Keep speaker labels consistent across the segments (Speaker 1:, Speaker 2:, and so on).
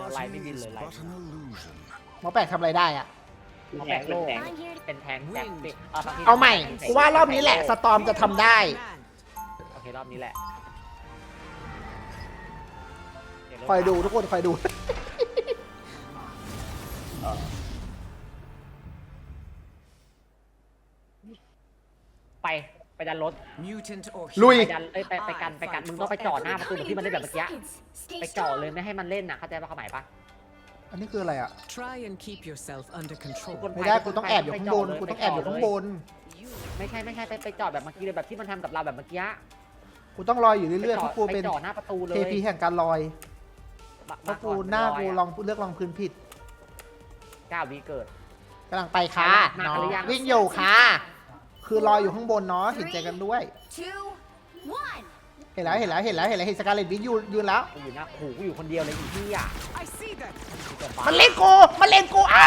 Speaker 1: ไล่ไม่บินเลยไล่
Speaker 2: หมอแปลกทำอะไรได้อะ
Speaker 1: เขาแบกโลกเป็นแทงแบกปิด
Speaker 2: เอาใหม่กูว่ารอบนี้แหละสตอมจะทำได้
Speaker 1: โอเครอบนี้แหละ
Speaker 2: คอยดูทุกคนคอยดู
Speaker 1: ไปดันรถ
Speaker 2: ลุย
Speaker 1: ไปดันไปกันมึงต้องไปจ่อหน้าประตูเหมือนที่มันเล่นแบบเมื่อกี้ไปจ่อเลยไม่ให้มันเล่นน่ะเข้าใจป่ะความหมายป่ะ
Speaker 2: อันนี้คืออะไรอ่ะ
Speaker 3: Try and keep yourself under control.
Speaker 2: ไม่ได้กูต้องแอบอยู่ข้างบนกูต้องแอบอยู่ข้างบน
Speaker 1: ไม่ใช่ไปจ่อแบบเมื่อกี้เลยแบบที่มันทำกับเราแบบเมื่อกี้
Speaker 2: กูต้องลอยอยู่เรื่อยๆเพราะกูเป็น
Speaker 1: ไปจ่อหน้าประตูเลย
Speaker 2: เทพีแห่งการลอยเพราะกูหน้ากูลองเลือกลองพื้นผิด
Speaker 1: 9 วิเกิด
Speaker 2: กำลังไปค่ะ
Speaker 1: มา
Speaker 2: น้อง
Speaker 1: หรือยัง
Speaker 2: วิ่งอยู่ค่ะ คือลอยอยู่ข้างบนเนาะเห็นใจกันด้วย เห็นแล้วเห็นสกาเลตวินยืนแล้ว
Speaker 1: กูอยู่นะกูอยู่คนเดียวเลยอีที่อ่ะ
Speaker 3: I see that.
Speaker 2: มันเล่นกูอ้า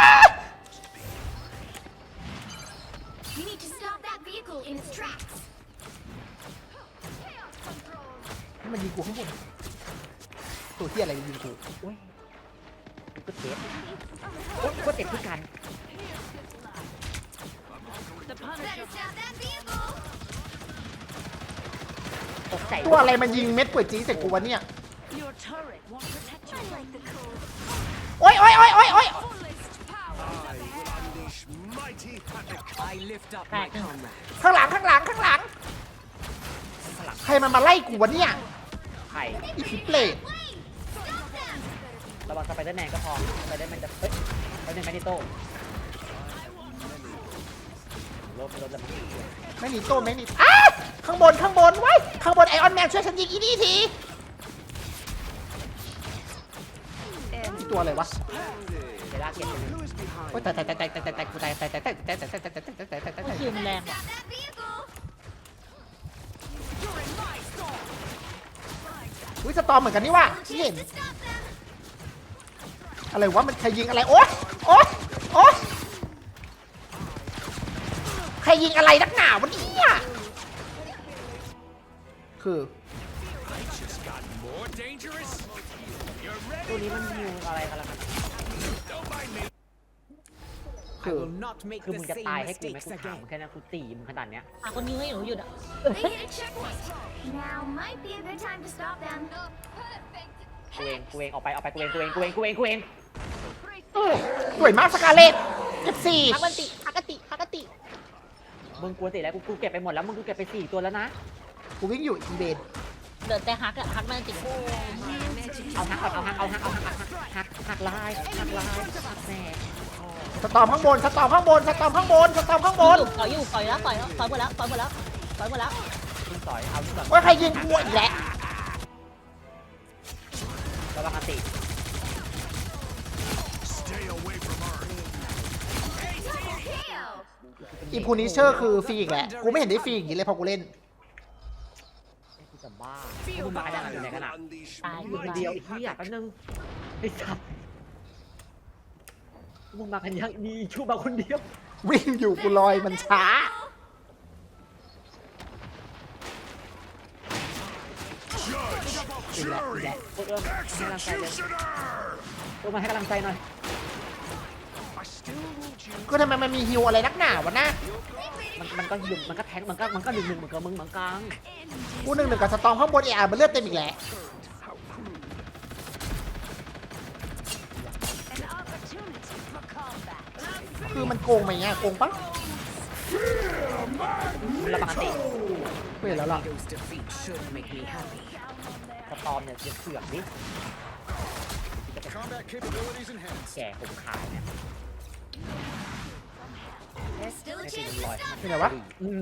Speaker 4: You need to stop that vehicle in its tracks.
Speaker 2: มันยิงกูข้างบนตัวที่อะไรยิงกู
Speaker 1: โอ้ยก็เจ็บโอ้ยก็เจ็บทุกการ
Speaker 4: Better stop that vehicle.
Speaker 1: ตกใจ
Speaker 2: ตัวอะไรมันยิงเม็ดป่วยจีใส่กูวะเนี่ย
Speaker 4: Your turret won't protect you. I like the cold.
Speaker 2: โอ๊ย
Speaker 4: Fullest power.
Speaker 3: I lift up my comrade.
Speaker 2: ข้างหลังใครมันมาไล่กูวะเนี่ย
Speaker 1: ไข่
Speaker 2: อีพิเปลต
Speaker 4: Wait! Stop them.
Speaker 1: ระวังสไปเดอร์แมนก็พอสไปเดอร์แมนจะเฮ้ยสไปเดอร์แมนนี่โต้รถจะ
Speaker 2: ไม่หนีโต้ไม่หนีอ้าข้างบนไว้ข้างบนไอออนแมนช่วยฉันยิงอีนี่ทีนี่ตัวอะไรวะ
Speaker 1: เวลาเก็บ
Speaker 2: โอ๊ยตายกูตาย
Speaker 5: คิวมันแรงว่ะ
Speaker 4: Stop that vehicle.
Speaker 2: อุ้ยสตอมเหมือนกันนี่ว่ะ
Speaker 4: No
Speaker 2: ที่เห็น
Speaker 4: chance to stop them.
Speaker 2: อะไรวะมันใครยิงอะไรโอ๊ยใครยิงอะไรนักหนาวะเนี่ยคือ
Speaker 1: ตัวนี้มันฮิวอะไรกันล่ะ
Speaker 3: I will not make
Speaker 1: คือ
Speaker 3: the
Speaker 1: มึงจะ
Speaker 3: same
Speaker 1: ตายให้กูไหม
Speaker 3: mistakes
Speaker 1: กูถาม
Speaker 3: again.
Speaker 1: มึงแค่นั้นกูตีมึงขนาดเนี้ย
Speaker 5: หาคนยิงให้หนูหยุดอ่ะ
Speaker 4: They hit a checkpoint. Now might be a good time to stop them. Perfect.
Speaker 1: กูเองออกไปกูเอง
Speaker 2: สวยมากสกาเลตเก็บสี่
Speaker 5: ฮักกันติ
Speaker 1: มึงกลัวติแล้วกูเก็บไปหมดแล้วมึงกูเก็บไป4 ตัวแล้วนะ
Speaker 2: กูวิ่งอยู่อีเบน
Speaker 5: เดินแต่ฮักมันติด
Speaker 1: เอาฮักก่อนเอาฮักลายฮักแม่
Speaker 2: สตอมข้างบน
Speaker 5: ต่อยอยู่ต่อยแล้วหมดแล้ว
Speaker 1: ขึ้นต่อยเอาที่แบบ
Speaker 2: ว่าใครยิงกูอีกแล้ว
Speaker 1: ระวังอติ
Speaker 4: Kill.
Speaker 2: อีพูนิเชอร์คือฟรีอีกแหละกูไม่เห็นได้ฟรีอย่างนี้เลยพอกูเล่น
Speaker 1: กูจะบ้ามึงมาขนาดอยู่ไหนขนาด
Speaker 5: ตาย
Speaker 1: มึงคนเดียวอีกที่อยากแป๊บนึงไอ้สัตว์มึงมากันยังดีชูมาคนเดียว
Speaker 2: วิ่งอยู่กูลอยมันช้า
Speaker 1: อีกแล้วให้กำลังใจเลยให้กำลังใจหน่อย
Speaker 2: ก็ทำไมมันมีฮิวอะไรนักหนาวะนะ
Speaker 1: มันก็ยิงมันก็แทงมันก็หนึ่งเหมือนกับมึงเหมือนกัน
Speaker 2: กูหนึ่งกับสตอมข้างบนมันเลือดเต็มอีกแล้ว
Speaker 4: An opportunity for combat.
Speaker 2: คือมันโกงไหมเนี่ยโกงปะ
Speaker 1: ระวังอติ
Speaker 2: ไม่เห็นแล้วล่ะ
Speaker 3: Those defeat should make me happy.
Speaker 1: สตอมเนี่ยเสือกดิแก่ผมขายเนี่ย
Speaker 4: There's still a
Speaker 1: ไม่
Speaker 4: chance
Speaker 1: เป็น
Speaker 4: to
Speaker 1: รอย
Speaker 4: stop
Speaker 2: ที่ไหนวะ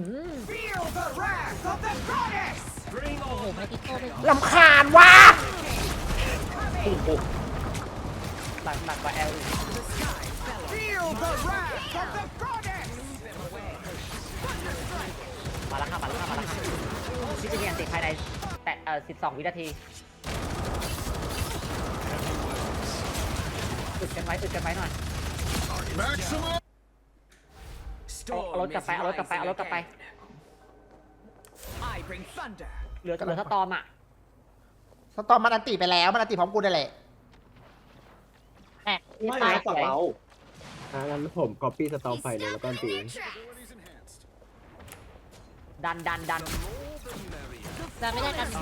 Speaker 5: โอ้โหไม่ติดโต้ไม่
Speaker 2: ลำคาญว่ะ
Speaker 1: หลักกว่าแอลมาแล้วค่ะพี่จะมีอันติดภายในแต่12 วินาทีอึดกันไว้หน่อยเอารถกลับไป
Speaker 3: I bring thunder.
Speaker 1: เหลือสตอมอ่ะ
Speaker 2: สตอมมันอันติไปแล้วมันอันติพร้อมกูได้แหละ
Speaker 6: ไม่
Speaker 1: ตาย
Speaker 6: นะฝั่งเรางั้นผมก๊อปปี้สตอมไฟเลยแล้วก็ตี
Speaker 1: ดัน
Speaker 5: ดันไม่ได้กัน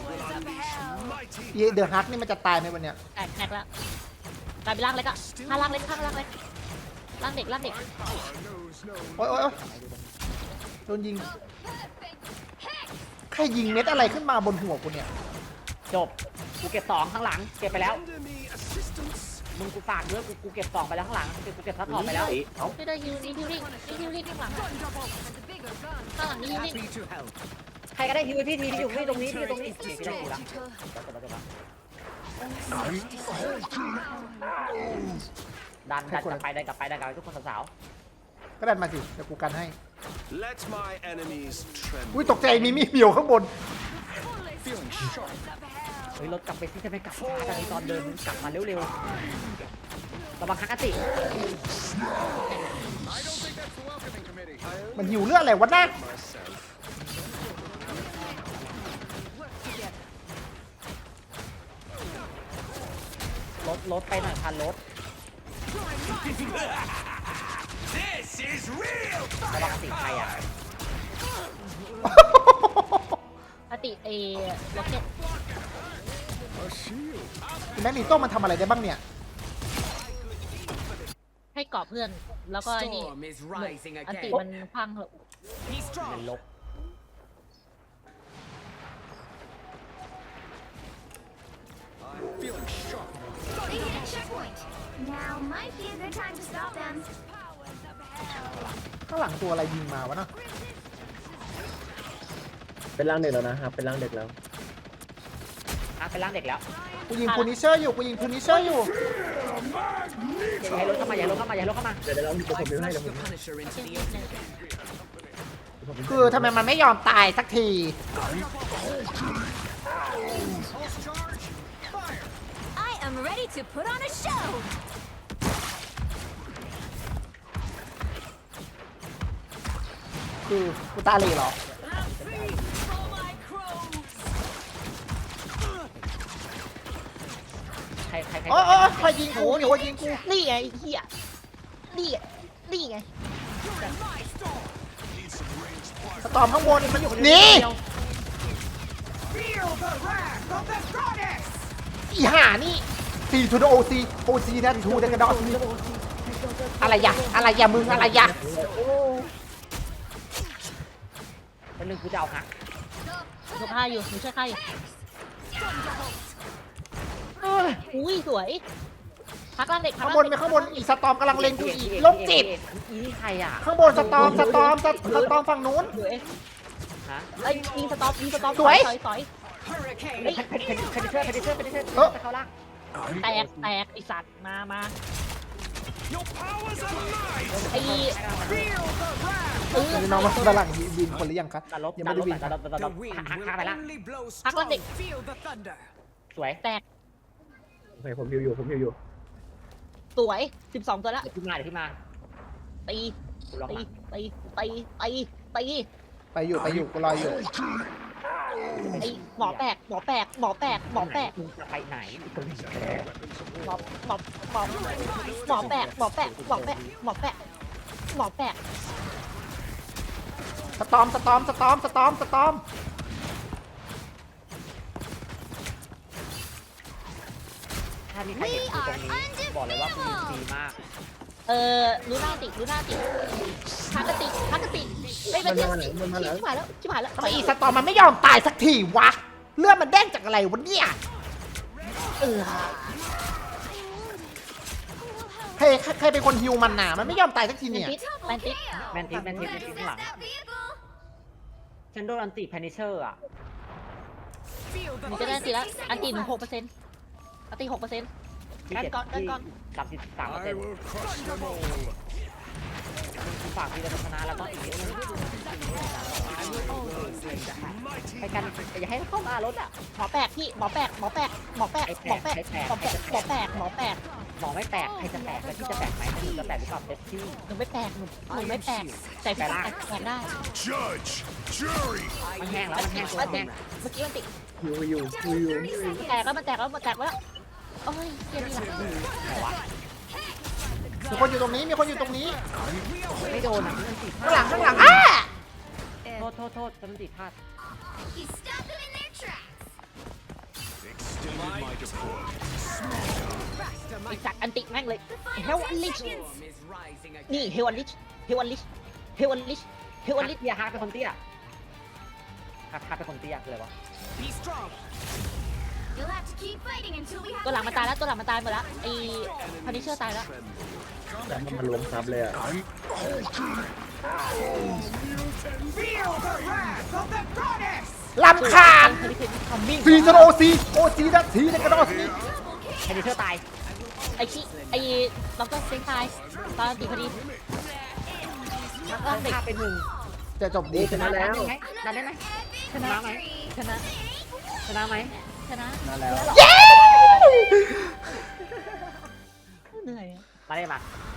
Speaker 2: เดอะฮักนี่มันจะตายไหมวันเนี้ย
Speaker 5: แตกแล้วกลายเป็นร่างเล็กอะข้างล่างเล็กร่างเล็กร่างเด็ก
Speaker 2: โอ๊ยโดนยิง ใครยิงเม็ดอะไรขึ้นมาบนหัวกูเนี่ย
Speaker 1: จบกูเก็บ2ข้างหลังเก็บไปแล้วมึงกูฝากด้วยกูเก็บ2ไปแล้วข้างหลังกูเก็บซัพพอร์ตไปแล้ว
Speaker 6: เอ้า
Speaker 5: ไม่ได้ฮิวนี่ฮิวลิ่งข้างหลังข้างหลังนี่ฮิวลิ่ง
Speaker 3: Happy to help.
Speaker 1: ใครก็ได้ฮิวที่ทีที่อยู่นี่ตรงนี้ที่อยู่ตรงนี้ที่ได้กูละดันกลับไปทุกคนสาว
Speaker 2: ก็ดันมาสิเดี๋ยวกูกันให้
Speaker 7: Let my enemies tremble.
Speaker 2: อุ้ยตกใจมีมีเหี่ยวข้างบน
Speaker 7: Feeling sharp.
Speaker 1: ๆเฮ้ยรถกลับไปที่จะไม่กลับช้าตอนนี้ตอนเดินกลับมาเร็วๆระวังฮักอติ
Speaker 2: มันหิวเรื่องอะไรวะน่ะ
Speaker 7: Myself.
Speaker 1: รถไปหน่อยพันรถ
Speaker 7: This is real.
Speaker 1: ระวังอติใครอ่ะ
Speaker 5: อติล็อกเก็ต
Speaker 2: แม็กนีโต้มันทำอะไรได้บ้างเนี่ย
Speaker 5: ให้เกาะเพื่อนแล้วก็นี่
Speaker 3: Storm is rising
Speaker 5: อติ
Speaker 3: again.
Speaker 5: มันพังเหรอ
Speaker 3: Be
Speaker 1: เป็น
Speaker 3: strong.
Speaker 1: ลบ
Speaker 7: Feeling sharp.
Speaker 4: They hit a checkpoint. Now might be a good time to stop them.
Speaker 2: ข้างหลังตัวอะไรยิงมาวะเนาะ
Speaker 6: เป็นร่างเด็กแล้วนะครับเป็นร่างเด็กแล้ว
Speaker 1: เป็นร่างเด็กแล้ว
Speaker 2: กูยิงพูนิเชอร์อยู่ กูยิงพูนิเชอร์อยู่
Speaker 1: อย่าให้รถเข้ามาอย่าให้รถเข้ามาอย่าให้รถเข้ามา
Speaker 6: เดี๋ยวเราผม
Speaker 3: I
Speaker 6: พิมพ์ให้
Speaker 3: flush
Speaker 6: เดี๋ยวผม
Speaker 3: the Punisher into the ocean.
Speaker 2: คือทำไมมันไม่ยอมตายสักที
Speaker 4: I am ready to put on a show.
Speaker 2: คือกูตาเหล่เหรอ
Speaker 1: ใคร
Speaker 2: โอ้ยใครยิงกูเนี่ยว่ายิงกู
Speaker 5: นี่ไงไอ้เหี้ยนี่ไง
Speaker 2: สตอมข้างบนมันอยู่นี่
Speaker 3: Feel the wrath of the goddess.
Speaker 2: อีห่านี่ซีทูโอซีนั่นทูเดกระดอซีอะไรยะมึงอะไรยะ
Speaker 1: เป็นเรื่องกูจะเอาหัก
Speaker 5: หนูฆ่าอยู่หนูช่วยฆ่าอยู่อุ้ยสวยพักร่างเด็ก
Speaker 2: ข้างบนไปข้างบนอีสตอมกำลังเล็งกูอีกโรคจิต
Speaker 1: อีนี่ใครอ่ะ
Speaker 2: ข้างบนสตอมฝั่งนู้น
Speaker 5: สวย
Speaker 1: ฮะ
Speaker 5: ไอ้ยิงสต็อป
Speaker 2: สวย
Speaker 5: สอย
Speaker 3: Hurricane.
Speaker 1: เพดิเชอร์จะเข้าล่าง
Speaker 5: แตกไอสัตว์มา
Speaker 7: Your powers alive.
Speaker 5: ไอ้
Speaker 3: Feel the wrath.
Speaker 2: นี่น้องมาด้านหลังบินคนหรือยังคะ
Speaker 1: ดันลบ
Speaker 2: ยัง
Speaker 1: ดั
Speaker 2: ไม่
Speaker 1: น
Speaker 2: ได้
Speaker 1: ลบ
Speaker 2: บิน
Speaker 1: ดันลบดันล
Speaker 3: The
Speaker 1: บ
Speaker 3: wind
Speaker 1: หัก
Speaker 3: will
Speaker 1: ไปละ
Speaker 3: only blow
Speaker 5: Hắc lên
Speaker 3: strong.
Speaker 5: đi.
Speaker 3: Feel the thunder.
Speaker 1: สวย
Speaker 5: แตก
Speaker 6: โอเคผมฮิวอยู่
Speaker 5: สวย12ตัวแล้ว
Speaker 1: เดี๋ยวขึ้นมา
Speaker 5: ตี
Speaker 1: กูลอง
Speaker 5: ตี
Speaker 1: มา
Speaker 5: ตี
Speaker 2: ไปอยู่กูรออยู่
Speaker 5: ไอ้หมอแปลก
Speaker 1: มึงจะไปไหน
Speaker 5: หมอแปลก
Speaker 2: สตอม
Speaker 1: ถ้ามีใครเห็นกูตรงนี้บอกเลยว่ากูยิงดีมาก
Speaker 5: รู้หน้าติฮักกติไอ้เป็นเรื่องติชิบหายแล้ว
Speaker 2: ทำไมอีสตอมมันไม่ยอมตายสักทีวะ เลือดมันเด้งจากอะไรวะเนี่ยใครเป็นคนฮิวมันน่ะมันไม่ยอมตายสักทีเนี่ย
Speaker 5: แมนติส
Speaker 1: แมนทิสข้างหลัง
Speaker 4: That vehicle.
Speaker 1: ฉันโดนอันติเพนิเชอร์อ่ะ
Speaker 3: Feel
Speaker 5: หนู
Speaker 3: the
Speaker 5: จะได้อันติแล้วอันติหนู 6%อันติ 6%
Speaker 1: ที่
Speaker 5: กันก่อน
Speaker 1: 33%
Speaker 7: I will crush them all.
Speaker 1: ฝากพีระชนะแล้วก็อีกเยอะเลยไปกันอย่าให้เข้ามารถอ่ะ
Speaker 5: หมอแปลกพี่หมอแปลก
Speaker 1: หมอไม่แตกใครจะแตกแล้วที่จะแตกไหมถ้าหนูจะแตกหรือเปล่าเซฟที่
Speaker 5: หนูไม่แปลกแต่พี่แตกได้
Speaker 7: Judge, jury.
Speaker 1: มันแห้งแล้วมันแห้ง
Speaker 5: เมื่อกี้มันติด
Speaker 6: ฮิวอยู่
Speaker 5: แตกแล้วโอ้ยเกียร์ดีหลัง
Speaker 1: ไหนวะ
Speaker 2: มีคนอยู่ตรงนี้มีคนอยู่ตรงนี้
Speaker 1: ไม่โดนอ่ะมันติด
Speaker 2: ข้างหลังอ้า
Speaker 1: โทษมันติดพลาด
Speaker 4: He stopped them in their tracks.
Speaker 7: Extended my deploy.
Speaker 5: ไอ้สัตว์อันติแม่งเลย
Speaker 4: The final
Speaker 5: เฮลอันลิช
Speaker 4: 10 seconds.
Speaker 3: Storm is rising again.
Speaker 5: นี่เฮลอันลิชเฮลอันลิชเฮลอันลิชเฮลอันลิช
Speaker 1: อย่าฮาเป็นคนเตี้ยฮาเป็นคนเตี้ยคืออะไรวะ
Speaker 3: Be strong.
Speaker 4: You'll have to keep fighting until we have
Speaker 5: ตัวหลัง
Speaker 4: a
Speaker 5: มันตายแล้วตัวหลังมันตายหมดแล้วไอ้พันนิเชอร์ตายแล้ว
Speaker 6: แต่มันล้มซับเลยอ่ะ
Speaker 3: Feel the wrath of the goddess.
Speaker 2: ลำคาญ
Speaker 5: พันนิเชอร์ทำมิ่ง
Speaker 2: ซีจะโอซีนะซีในกระโดดซี
Speaker 1: แคนดิเชอร์ตาย
Speaker 5: ไอ้ขี้ไอ้ล็อกเตอร์เซนตายตอนตีพอดีแล้วก็เด็ก
Speaker 1: ฆ่าเป็นหนึ่ง
Speaker 2: จะจบดี
Speaker 6: ชนะแล้ว
Speaker 1: ดันได้ไหม
Speaker 4: epic
Speaker 1: ชนะไหม
Speaker 4: victory.
Speaker 5: ชนะ
Speaker 1: ชนะไหม
Speaker 5: ชนะ
Speaker 6: มาแล้ว
Speaker 5: เหนื่อยอะ
Speaker 1: มาได้มา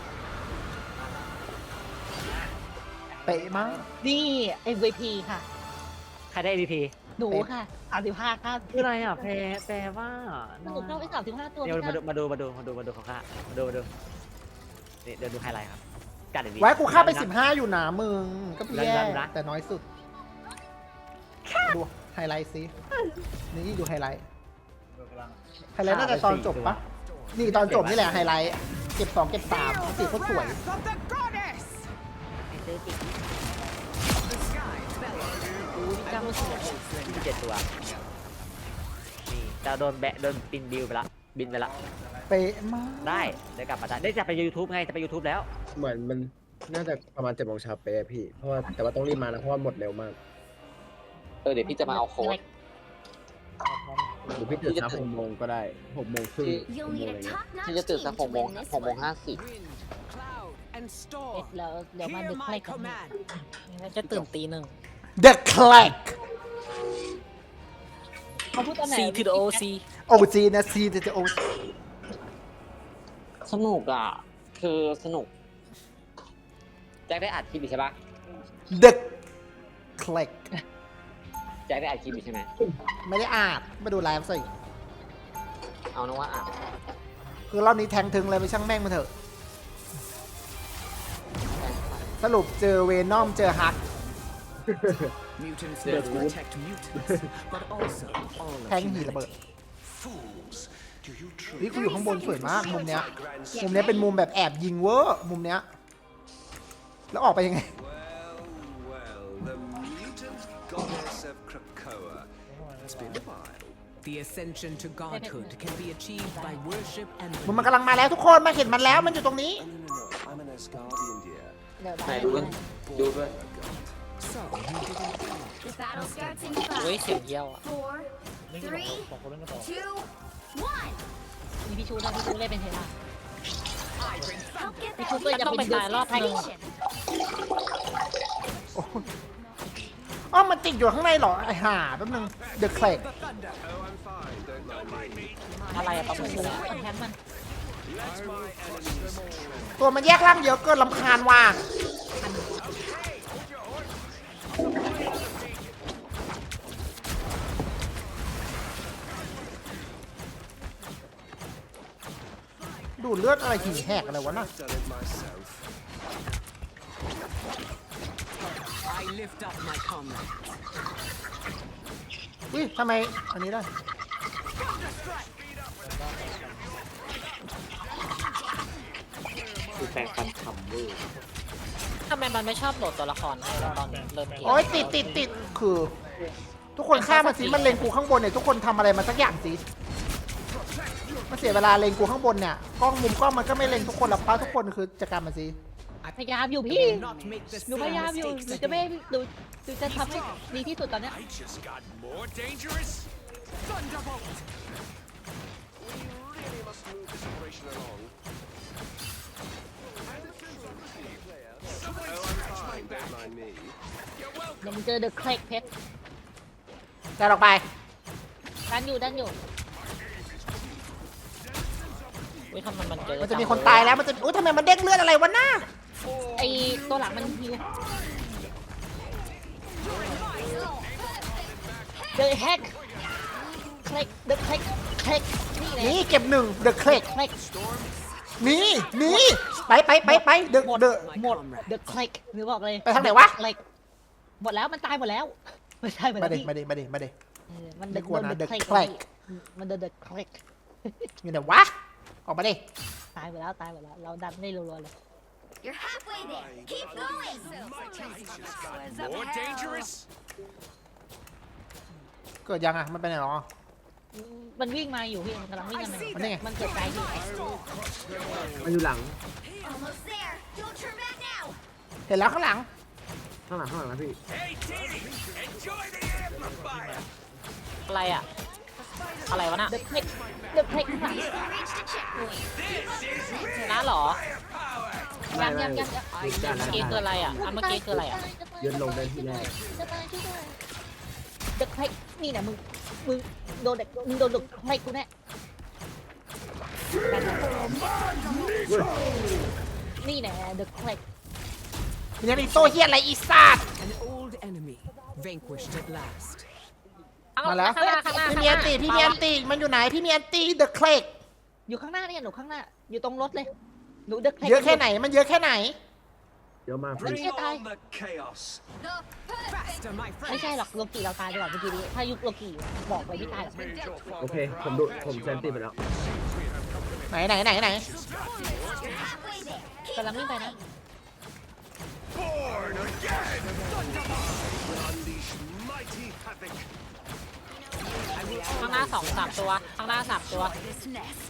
Speaker 2: เป๊ะมาก
Speaker 5: นี่ MVP ค่ะ
Speaker 1: ใครได้ MVP
Speaker 5: หนูค่ะ35ค่ะ
Speaker 1: คืออะไรอ่ะแปลว่า
Speaker 5: หนูเข้าไป35ตัว
Speaker 1: เดี๋ยว
Speaker 5: พี่
Speaker 1: มาดูของข้ามาดูนี่เดี๋ยวดูไฮไลท์ครับกัดดี
Speaker 2: ไว้กูฆ่าไป15อยู่หนามึงก็แย่
Speaker 1: นะ
Speaker 2: แต่น้อยสุดดูไฮไลท์ซินี่ดูไฮไลท์ไฮไลท์น่าจะตอนจบปะนี่ตอนจบนี่แหละไฮไลท์เก็บ2เก็บ3สีโคตรสวย
Speaker 3: Wrath of the goddess.
Speaker 5: ซื้อติด
Speaker 3: The sky bellows.
Speaker 5: ดูดิจ้ามันสวย
Speaker 1: 27ตัวนี่จะโดนบินบิวไปละบินไปละ
Speaker 2: เป๊ะมาก
Speaker 1: ได้กลับมาได้จะไป YouTube ไงจะไป YouTube แล้ว
Speaker 6: เหมือนมันน่าจะประมาณ7 โมงเช้าเป๊ะพี่เพราะว่าแต่ว่าต้องรีบมานะเพราะว่าหมดเร็วมาก
Speaker 8: เดี๋ยวพี่จะมาเอาโค้ด
Speaker 6: หรือพี่ตื่นเช้า6 โมงก็ได้6 โมงครึ่ง
Speaker 4: You'll
Speaker 6: 6 โมง
Speaker 4: need
Speaker 6: อะไร
Speaker 4: a
Speaker 6: เงี้ย
Speaker 4: top-notch
Speaker 8: พี่จะตื่น
Speaker 4: team
Speaker 8: สัก
Speaker 4: to
Speaker 8: 6 โมง
Speaker 4: win this
Speaker 8: 6 โมง
Speaker 4: one.
Speaker 8: 50
Speaker 3: Wind, cloud, and
Speaker 5: เ
Speaker 3: storm.
Speaker 5: แล้วเดี๋ยวมัน
Speaker 3: Hear
Speaker 5: ดึก
Speaker 3: my
Speaker 5: ใกล้กัน
Speaker 3: command.
Speaker 5: จะตื่นตีหนึ่ง
Speaker 2: The Clack
Speaker 5: เขาพูดตอนไหน
Speaker 8: C to the OC
Speaker 2: OG นะ C จะ OG
Speaker 8: สนุกอ่ะ คือสนุก แจ็คได้อัดคลิปอยู่ใช่ปะ
Speaker 2: The Clack
Speaker 8: แจ็คได้อัดคลิปอยู่ใช่ไหม
Speaker 2: ไม่ได้อ่านมาดูไลฟ์สิ
Speaker 8: เอานะว่าอัด
Speaker 2: คือรอบนี้แทงถึงเลยไปช่างแม่งมาเถอะ สรุปเจอเวนอมเจอฮัก
Speaker 3: Mutants will protect mutants, but also all
Speaker 2: แทงหีระเบิด
Speaker 7: Fools. Do you
Speaker 2: นี่
Speaker 7: truly
Speaker 2: กูอยู่ข้างบนสวยมากมุมเนี้ย
Speaker 7: grandson?
Speaker 2: มุมเนี้ยเป็นมุมแบบแอบยิงเวอร์มุมเนี้ย แล้วออกไปยังไง
Speaker 9: Well, the mutant goddess of Krakoa. It's been a while.
Speaker 3: The ascension to godhood can be achieved by worship and
Speaker 2: มันกำลังมาแล้วทุกคนมาเห็นมันแล้วมันอยู่ตรงนี้
Speaker 9: No, I'm an Asgardian, dear.
Speaker 5: เดี๋ยว
Speaker 8: ไหน
Speaker 5: ได้
Speaker 8: ดูด้วยดูด้วย
Speaker 3: so you didn't
Speaker 4: The battle starts in
Speaker 8: เฮ้ย
Speaker 4: 5,
Speaker 8: เสียงเยี่ยวอ่ะ
Speaker 4: 4, 3, 2, 1.
Speaker 5: มีพี่ชูด้วยพี่ชูเล่นเป็นเทล่า
Speaker 4: Help get
Speaker 5: พี่
Speaker 4: that
Speaker 5: ชูก็จะเป็นตายรอบให้
Speaker 4: station.
Speaker 2: อ๋อมันติดอยู่ข้างในเหรอไอ้ห่าแป๊บนึง The Clack
Speaker 3: the thunder.
Speaker 9: Oh, I'm fine. Don't mind me.
Speaker 5: อะไรอะประมูลแล้วคอนแทนมัน
Speaker 2: ตัวมันแยกร่างเยอะเกินลำคาญว่ะดูดเลือดอะไรหิ่งแหกอะไรวะน่ะ
Speaker 9: I've done it myself.
Speaker 3: I lift up my comrade.
Speaker 2: อุ้ยทำไมอันนี้ได้
Speaker 8: คือแปลงฟันขำเว้ย
Speaker 5: ทำไมมันไม่ชอบโหลดตัวละครให้เราตอนเริ่มเกม
Speaker 2: โอ้ยติดคือ ทุกคนฆ่ามันสิมันเลงกูข้างบนเนี่ยทุกคนทำอะไรมาสักอย่างสิมันเสียเวลาเลงกูข้างบนเนี่ยกล้องมุมกล้องมันก็ไม่เลงทุกคนหรอกป้าทุกคนคือจัดการมันสิ
Speaker 5: พยายามอยู่พี่
Speaker 3: Not make the
Speaker 5: หนู
Speaker 3: same
Speaker 5: พยายามอยู่
Speaker 3: mistakes
Speaker 5: หนูจะไม่
Speaker 3: again.
Speaker 5: หนูจะทำให้ดีที่สุดตอนเนี้ย
Speaker 7: I just got more dangerous.
Speaker 3: Thunderbolt.
Speaker 9: We really must move this operation along. Oh, I'm fine. Don't mind me.
Speaker 5: เดี๋ยวมึงเจอเดอะเคลกเพชร
Speaker 2: แต่ออกไป
Speaker 5: ดันอยู่เว้ยทำไมมันเจอ
Speaker 2: มันจะมีคนตายแล้วมันจะอุ้ยทำไมมันเด้งเลือดอะไรวะน่า
Speaker 5: ไอตัวหลังมันฮิวเดอะแฮกเคลกเดอะเคลกนี่แหละ
Speaker 2: นี่เก็บ1 The Clack
Speaker 5: เคลก
Speaker 2: หนีไปเดอะ
Speaker 5: หมด
Speaker 2: เดอะ
Speaker 5: หมด The Click หรือบอกเลย
Speaker 2: ไปทางไหนวะ
Speaker 5: The Click หมดแล้วมันตายหมดแล้วไม่ใช่หมด
Speaker 2: มา
Speaker 5: แล้ว
Speaker 2: ดิ
Speaker 5: พี่
Speaker 2: มาดิมาดิมาดิ
Speaker 5: มัน
Speaker 2: ไม่กลัวนะ
Speaker 5: โด
Speaker 2: The
Speaker 5: Click
Speaker 2: Click
Speaker 5: มันโดน The Click
Speaker 2: อยู่ไหนวะออกมาดิ
Speaker 5: ตายหมดแล้วเราดันได้รัวๆเลย
Speaker 4: You're halfway there. Keep going.
Speaker 7: More dangerous?
Speaker 2: เกิดยังอ่ะมันไปไหนหรอ
Speaker 5: มันวิ่งมาอยู่พี่มันกำลังวิ่งกันมา
Speaker 2: มันนี่ไง
Speaker 5: มันเกิดใจอยู่
Speaker 6: มันอยู่หลัง
Speaker 4: Almost there. Don't turn back now.
Speaker 2: เห็นแล้วข้างหลัง
Speaker 6: ข้างหลังนะพี่
Speaker 7: Hey, Diddy, enjoy the amplifier.
Speaker 1: อะไรอะอะไรวะน่ะ
Speaker 5: The Click The Click ค่ะ
Speaker 4: Reached a checkpoint.
Speaker 1: ชนะเหรอ
Speaker 6: ไม่
Speaker 5: ยัง
Speaker 6: ไม่
Speaker 5: ยัง
Speaker 6: อีกด้าน
Speaker 1: เมื่อกี้คืออะไรอะเมื่อกี้คืออะไรอะ
Speaker 6: ยืนลงได้ที่แรก
Speaker 5: จะตายช่วยด้วย The Click นี่นะมึงโดนเด็กมึงโดน The Click กูแน่นี่แน่ The Click
Speaker 2: มันยังมีโซ่เฮียอะไรอีสัตว์
Speaker 3: An old enemy vanquished at last.
Speaker 2: มาแล้ว
Speaker 1: ข้างหน้าข้างหน้า
Speaker 2: พี่มีอันตีพี่มีอันตีมันอยู่ไหนพี่มีอันตีเดอะเคลก
Speaker 5: อยู่ข้างหน้าเนี่ยหนูข้างหน้า อยู่ตรงรถเลยหนู The Click
Speaker 2: เยอะแค่ไหนมันเยอะแค่ไหน
Speaker 6: เยอะมาก
Speaker 4: Bring
Speaker 6: พี่
Speaker 4: on the chaos. The perfect.
Speaker 5: ไม่ใช่หรอกโลกีเราตายไปก่อนเมื่อกี้นี้ถ้ายุคโลกีบอกเลยไม่ตายหรอก
Speaker 6: โอเคผมเซนติไปแล้ว
Speaker 2: ไหน
Speaker 4: You're halfway there.
Speaker 5: กำลังวิ่งไปนะ
Speaker 7: Born again! Unleash mighty havoc.
Speaker 1: ข้างหน้า3 ตัวข้างหน้า3 ตัว
Speaker 4: This nest.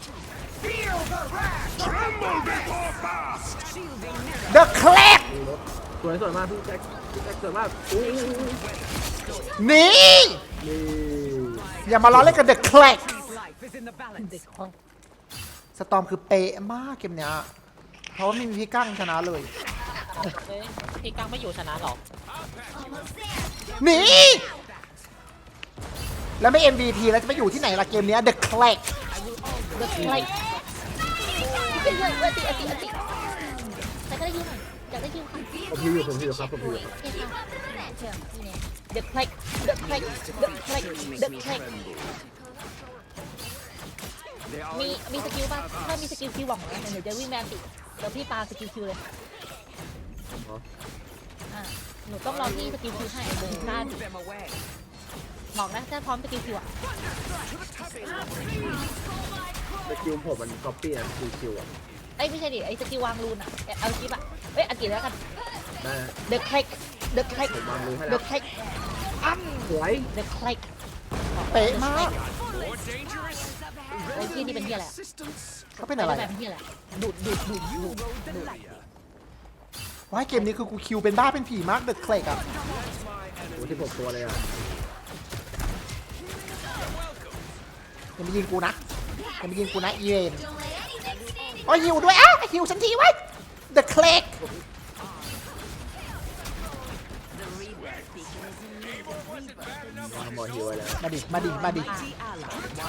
Speaker 7: Tremble before fast!
Speaker 2: เดอะเคลก
Speaker 6: สวยมากพี่แจ็คสวยมากอุ้ย
Speaker 2: หนี
Speaker 6: นี่
Speaker 2: อย่ามาล้อเล่นกับเดอะเคลก
Speaker 3: Life is in the balance.
Speaker 5: เด็กคอย
Speaker 2: สตอมคือเป๊ะมากเกมเนี้ยเพราะว่าไม่มีพี่กั้งชนะเลย
Speaker 1: เฮ้ยพี่กังไม่อยู่ชนะหรอก
Speaker 4: Almost there.
Speaker 2: หนีแล้วไม่ MVP แล้วจะไปอยู่ที่ไหนล่ะเกมเนี้ยเดอะเคลก
Speaker 5: The Click เฮ้ยเฮ้ยอติแต่ก็ได้ยินหน่อยอยากได้ยินค่ะ
Speaker 6: ผมพิวอยู่ครับผมพิวอยู่ครับ
Speaker 5: เฮ้ยค่ะ
Speaker 4: Momentum.
Speaker 5: นี่ไง The Click The Click The Click The Click มีสกิลป่ะถ้ามีสกิลคิวหวังนะเดี๋ยวจะวิ่งแมนติเดี๋ยวพี่ปาสกิลคิวเลย
Speaker 6: อ๋อ
Speaker 5: หนูต้องรอที่สกิลคิวให้เดินหน้าดิ
Speaker 3: Them away.
Speaker 5: บอกนะถ้าพร้อมสกิลคิวอ่ะ
Speaker 6: สกิลผมมันก๊อปปี้นะคิวอ่ะ
Speaker 5: ไอ้ยไม่ใช่ดิไอ้สกิลวางรูนอ่ะเอาคลิปอ่ะเอ้ยอันกี่แล้วกัน
Speaker 6: ได้นะ
Speaker 5: The Click The Click
Speaker 6: ผมวางรู้ให้
Speaker 5: The
Speaker 6: แล้ว
Speaker 5: Click
Speaker 6: สวย
Speaker 5: The Click
Speaker 2: เป๊ะมาก
Speaker 7: More dangerous?
Speaker 5: ไอ้ที่นี่เป็นที่อะไร
Speaker 7: Assistance?
Speaker 2: เขาเป็นอะไร
Speaker 5: แบบเป็นที่อะไรดูด
Speaker 2: ว้ายเกมนี้คือกูคิวเป็นบ้าเป็นผีมากเดอะเคลกอ่ะ
Speaker 6: โอ้16ตัวเลยอ่ะ
Speaker 2: อย่ามายิงกูนะอีเวน
Speaker 4: Don't let anything stand in
Speaker 2: โอ้ยหิวด้วยอ่ะหิวฉันทีไว้เดอะเคลก
Speaker 6: หมอฮิวไว้แล้ว
Speaker 2: มาดิ
Speaker 3: Mighty ally.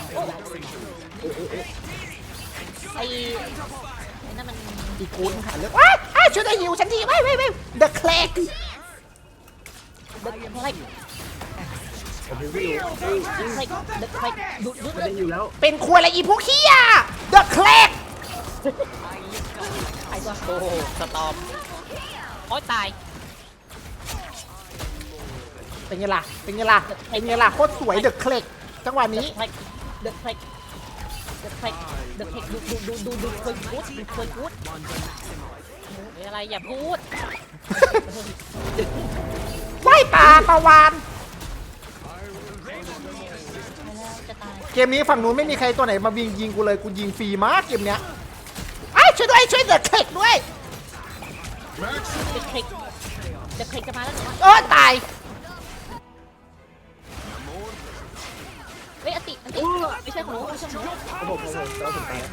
Speaker 5: ไอ้นั่นมัน
Speaker 2: อีกูนหาเรื่องว้ายช่วยได้หิวฉันทีไว้เดอะเคลก
Speaker 5: The Click
Speaker 6: ผมพิวอยู่
Speaker 5: The Click The Click ดูด
Speaker 6: มัน
Speaker 5: เล
Speaker 6: ได้
Speaker 5: ย
Speaker 6: อยู่แล้ว
Speaker 2: เป็นครัวอะไรอีพวกเฮียเดอะเคลก
Speaker 5: ไอ้ตัว
Speaker 1: โอ้โหสตอมโอ๊ยตาย
Speaker 2: เป็นไงล่ะโคตรสวยเดอะเคลกจังหวะนี้
Speaker 5: The Click The Click The Click ดูเคยกูด
Speaker 1: หรืออะไรอย่าพูด
Speaker 2: ว่ายปลาปลาวาน
Speaker 5: จะตาย
Speaker 2: เกมนี้ฝั่งนู้นไม่มีใครตัวไหนมายิงกูเลยกูยิงฟรีมากเกมเนี้ยไอ้ยช่วยเดอะเคลกด้วย
Speaker 5: The Click The Click จะมาแล้วหนู
Speaker 2: เออตาย
Speaker 5: เฮ้ยอติไม่ใช่ของหนูไม่ใช่ของหนู
Speaker 6: ผมแล้วผมตาย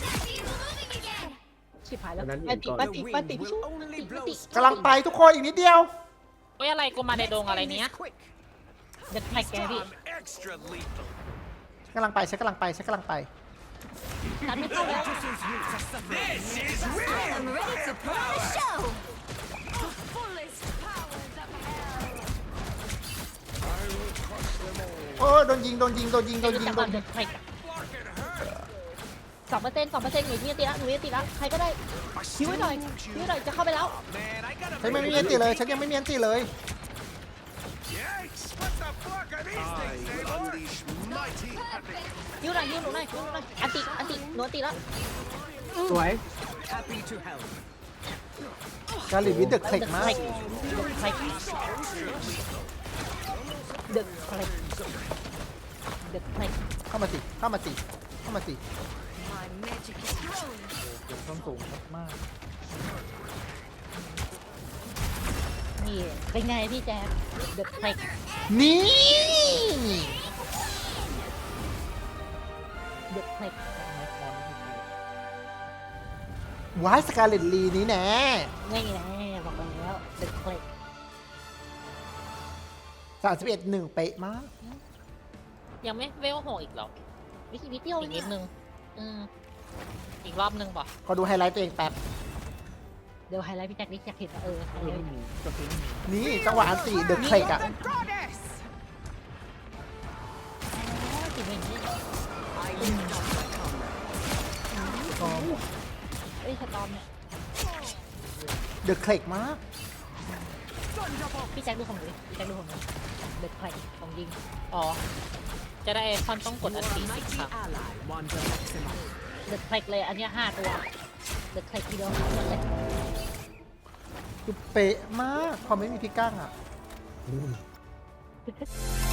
Speaker 5: ชิบหายแล้ว
Speaker 6: อันนั้น
Speaker 5: ปฏิ
Speaker 6: ก่อน
Speaker 5: ปฏิปฏิพี่ชู
Speaker 3: Will only blow
Speaker 2: กำลังไปทุกคนอีกนิดเดียว
Speaker 1: เฮ้ยอะไรกูมาในดงอะไรเนี้ย
Speaker 3: quick.
Speaker 5: The Click แกพี่
Speaker 7: I'm extra lethal.
Speaker 2: กำลังไปฉันกำลังไป
Speaker 5: นัดไม่เข้าแล้ว
Speaker 7: This is real!
Speaker 4: I'm ready to put on a show. The fullest powers of hell.
Speaker 2: โอ้โดนยิง
Speaker 5: จะจับ The Click 2%หนูมีอันตีละใครก็ได้คิวไว้หน่อยจะเข้าไปแล้ว
Speaker 7: Man, I gotta
Speaker 2: ฉันไม่มีอันติเลยฉันยังไม่มีอันติเลย
Speaker 7: Yikes! What the fuck are these
Speaker 9: I
Speaker 7: things,
Speaker 9: will
Speaker 7: Eivor?
Speaker 9: unleash mighty havoc.
Speaker 5: ยิวหน่อยหนูหน่อยอันติหนูอันติแล้ว
Speaker 6: สวย
Speaker 3: Happy to help.
Speaker 2: กาลิวิดเดอะเคล็กมาก
Speaker 5: เด็กใคร
Speaker 2: เข้ามาสิเข้ามาสิ
Speaker 4: My magic is growing.
Speaker 2: เก็บต้นสูงมาก
Speaker 5: นี่เป็นไงพี่แจ๊คเด็กใคร
Speaker 2: นี่
Speaker 5: เด็กใคร
Speaker 2: วายสกาเลตลีนี้แน่
Speaker 5: ไม่แน่บอกแล้วเด็กใคร
Speaker 2: 31-1 เป๊ะมาก
Speaker 5: ยังไม่เวลโหอีกหรอวิธีเดียวอีกนิดนึงอีกรอบนึงป่ะ
Speaker 2: ขอดูไฮไลท์ตัวเองแป๊บ
Speaker 5: เดี๋ยวไฮไลท์พี่แจ็คนี่อยากเห็นว่าไฮไลท์
Speaker 2: นี่จังหวะอันตีเดอะเคล็กอะ
Speaker 5: จริงๆนี่เอ้ยสตอมเนี่ย
Speaker 2: เดอะเคล็กมาก
Speaker 5: พี่แจ็คดูของหนูดิพี่แจ็คดูของหนูเด็กใครของยิงอ๋อจะได้คอนต้องกดอันตี
Speaker 3: Your
Speaker 5: 10
Speaker 3: mighty
Speaker 5: ครั้ง
Speaker 3: ally, Wanda Maximoff.
Speaker 5: เด็กใครเลยอันเนี้ย5 ตัวเด็กใครทีเดียว5 ตัวเลย
Speaker 2: คือเป๊ะมากพอไม่มีพี่ก้างอะ